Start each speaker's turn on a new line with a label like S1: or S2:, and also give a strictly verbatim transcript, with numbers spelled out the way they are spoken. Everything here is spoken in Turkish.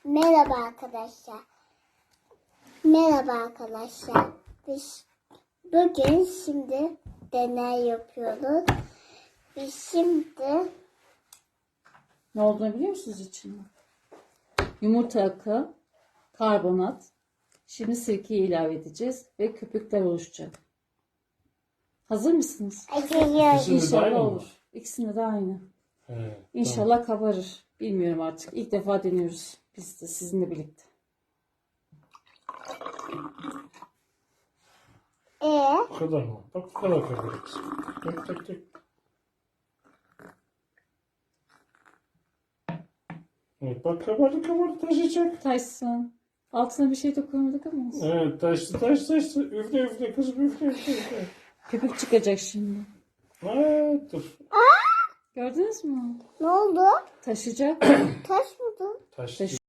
S1: Merhaba arkadaşlar. Merhaba arkadaşlar. Biz bugün şimdi deney yapıyoruz. Biz şimdi
S2: Ne olduğunu biliyor musunuz içinde? Yumurta akı, karbonat. Şimdi sirkeyi ilave edeceğiz ve köpükler oluşacak. Hazır mısınız?
S1: açıyoruz.
S3: İkisini de aynı
S2: İnşallah
S3: mı?
S2: olur. İkisinde de aynı.
S3: He,
S2: İnşallah kabarır. Bilmiyorum artık. İlk defa deniyoruz. Biz de sizinle birlikte.
S1: Ee,
S3: tamam. Bu kadar mı? Bak bu kadar kabarık. Tek tek tek. Evet bak kabardı kabardı taşıyacak.
S2: Taşsın. Altına bir şey de koymadık ama. olsun.
S3: Evet taştı taştı taştı. Üfle üfle kızım üfle üfle üfle.
S2: Köpük çıkacak şimdi.
S3: Ha, dur.
S2: Gördünüz mü?
S1: ne oldu?
S2: Taşıyacak.
S1: Taş mıydı?
S3: Taştı.
S2: Taş-